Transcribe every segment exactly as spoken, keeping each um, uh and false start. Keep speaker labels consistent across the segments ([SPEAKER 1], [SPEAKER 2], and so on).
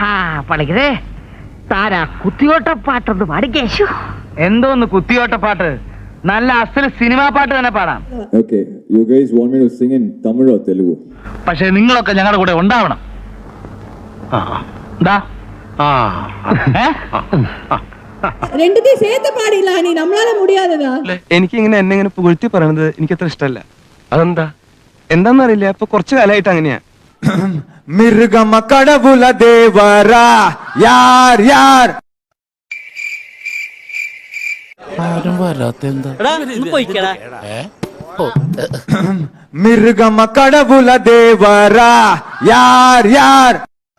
[SPEAKER 1] പണിക്കരെ താരാ കുത്തിയോട്ടപ്പാട്ടൊന്ന് പാടിക്കേശു.
[SPEAKER 2] എന്തോന്ന് കുത്തിയോട്ടപ്പാട്ട്? നല്ല അസൽ സിനിമാ പാട്ട് തന്നെ പാടാം.
[SPEAKER 3] Okay, you guys want me to sing in Tamil or Telugu?
[SPEAKER 2] പക്ഷെ നിങ്ങളൊക്കെ ഞങ്ങളുടെ കൂടെ ഉണ്ടാവണം.
[SPEAKER 4] ரெண்டுத்தையும் சேர்த்து பாடிடலாம். நீ நம்மளால முடியாததா?
[SPEAKER 5] എനിക്ക് ഇങ്ങനെ എന്നെ ഇങ്ങനെ പുകഴ്ത്തി പറയണത് എനിക്ക് അത്ര ഇഷ്ടമല്ല. അതെന്താ എന്താന്നറിയില്ല, ഇപ്പൊ കുറച്ചു കാലമായിട്ട് അങ്ങനെയാ.
[SPEAKER 6] മിർഗമ കടവുല ദേവരാ യാർ യാർ
[SPEAKER 7] ആരും വരാത്തെന്താ?
[SPEAKER 6] മിർഗമ കടവുല ദേവരാ യാർ യാർ.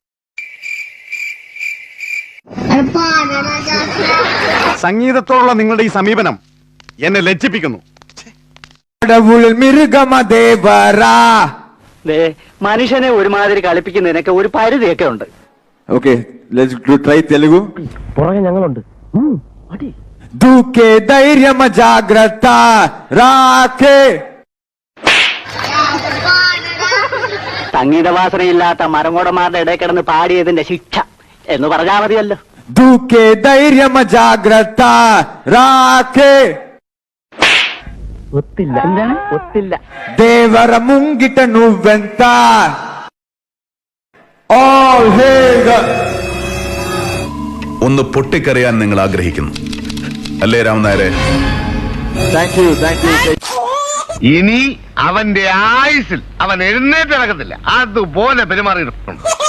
[SPEAKER 8] സംഗീതത്തോടുള്ള നിങ്ങളുടെ ഈ സമീപനം എന്നെ ലജ്ജിപ്പിക്കുന്നു.
[SPEAKER 6] കടവുൽ മിർഗമ ദേവരാ.
[SPEAKER 1] മനുഷ്യനെ ഒരുമാതിരി കളിപ്പിക്കുന്നതിനൊക്കെ ഒരു പരിധിയൊക്കെ ഉണ്ട്.
[SPEAKER 3] Okay, let's do try Telugu.
[SPEAKER 1] പുറകെ ഞങ്ങളുണ്ട്.
[SPEAKER 6] ദൂക്കെ ധൈര്യമ ജാഗ്രത രാഖേ.
[SPEAKER 1] സംഗീതവാസനയില്ലാത്ത മരങ്ങോടന്മാരുടെ ഇടയിൽ കിടന്ന് പാടിയതിന്റെ ശിക്ഷ എന്ന് പറഞ്ഞാൽ മതിയല്ലോ.
[SPEAKER 6] ദൂക്കെ ധൈര്യമ ജാഗ്രത രാഖേ.
[SPEAKER 1] ഒത്തില്ല. എന്താണ് ഒത്തില്ല?
[SPEAKER 6] ദേവര മുങ്കിട്ട നുവ്വെന്ത. All hail the...
[SPEAKER 9] ഒന്ന് പൊട്ടിക്കറിയാൻ നിങ്ങൾ ആഗ്രഹിക്കുന്നു അല്ലേ രാമനായരെ?
[SPEAKER 6] Thank you, thank you.
[SPEAKER 8] ഇനി അവന്റെ ആയുസിൽ അവൻ എഴുന്നേറ്റ് നടക്കത്തില്ല. അതുപോലെ പെരുമാറിയിട്ടുണ്ട്.